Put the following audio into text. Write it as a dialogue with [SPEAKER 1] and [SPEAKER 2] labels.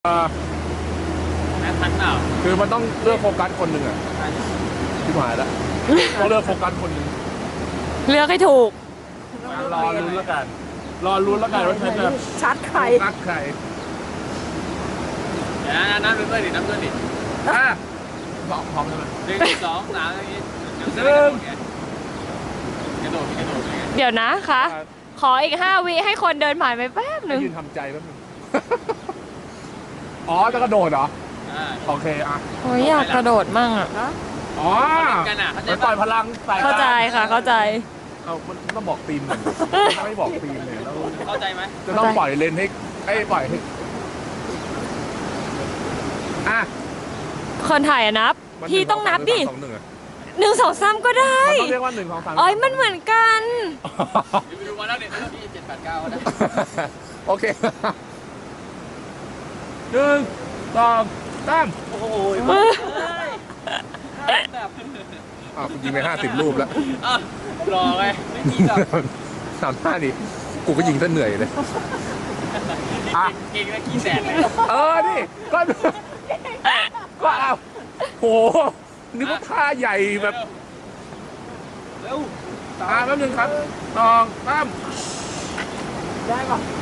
[SPEAKER 1] แม่ทันเปล่า
[SPEAKER 2] คือมันต้องเลือกโฟกัสคนหนึ่งอ่ะที่หายแล้วต้องเลือกโฟกัสคนหนึ่ง
[SPEAKER 3] เลือกให้ถูก
[SPEAKER 2] รอลุ้นแล้วกันว่าฉันจะ
[SPEAKER 3] ชัดใคร
[SPEAKER 2] โฟกัสใคร
[SPEAKER 1] เดี๋ยวน้ำด้วยดิน้ำด้วยดิ
[SPEAKER 2] สองพร้อมใช่ไหม
[SPEAKER 1] 1 2 3อย่างนี้กระโดด
[SPEAKER 3] เดี๋ยวนะคะขออีก5 วิให้คนเดินผ่านไปแป๊บหนึ่ง
[SPEAKER 2] ยืนทำใจแป๊บนึงอ๋อจะกระโดดเหรอโอเคอ่ะ
[SPEAKER 3] โอ้ยอยากกระโดดมั่งอ่ะ
[SPEAKER 2] อ๋อไปปล่อยพลังใส่
[SPEAKER 3] เข้าใจค่ะเข้าใจ
[SPEAKER 2] เอาต้องบอกทีมไม่บอกทีมเลยแล้ว
[SPEAKER 1] เข้าใจไหม
[SPEAKER 2] จะต้องปล่อยเลนให้ปล่อยให้
[SPEAKER 3] คนถ่ายนับพี่ต้องนับดิ1 2 3ก็ได้
[SPEAKER 2] ต้องเรียกว่า1 2 3
[SPEAKER 3] อ๋อมันเหมือนกัน
[SPEAKER 1] ไปดูมาแล้วเนี่ยพี่7 8 9นะ
[SPEAKER 2] โอเค1 2 3
[SPEAKER 1] โอ้โห
[SPEAKER 2] คุณยิงไป50 รูปแล้ว
[SPEAKER 1] รอไงไม่มีหรอก
[SPEAKER 2] 35นี่กูก็ยิงซะเหนื่อยเลย
[SPEAKER 1] เก่งแล้วกี่แสนเลย
[SPEAKER 2] นี่ก็เอาโหนึกว่าท่าใหญ่แบบ
[SPEAKER 1] เร็ว
[SPEAKER 2] แป๊บนึงครับ2 3
[SPEAKER 1] ได้ป่ะ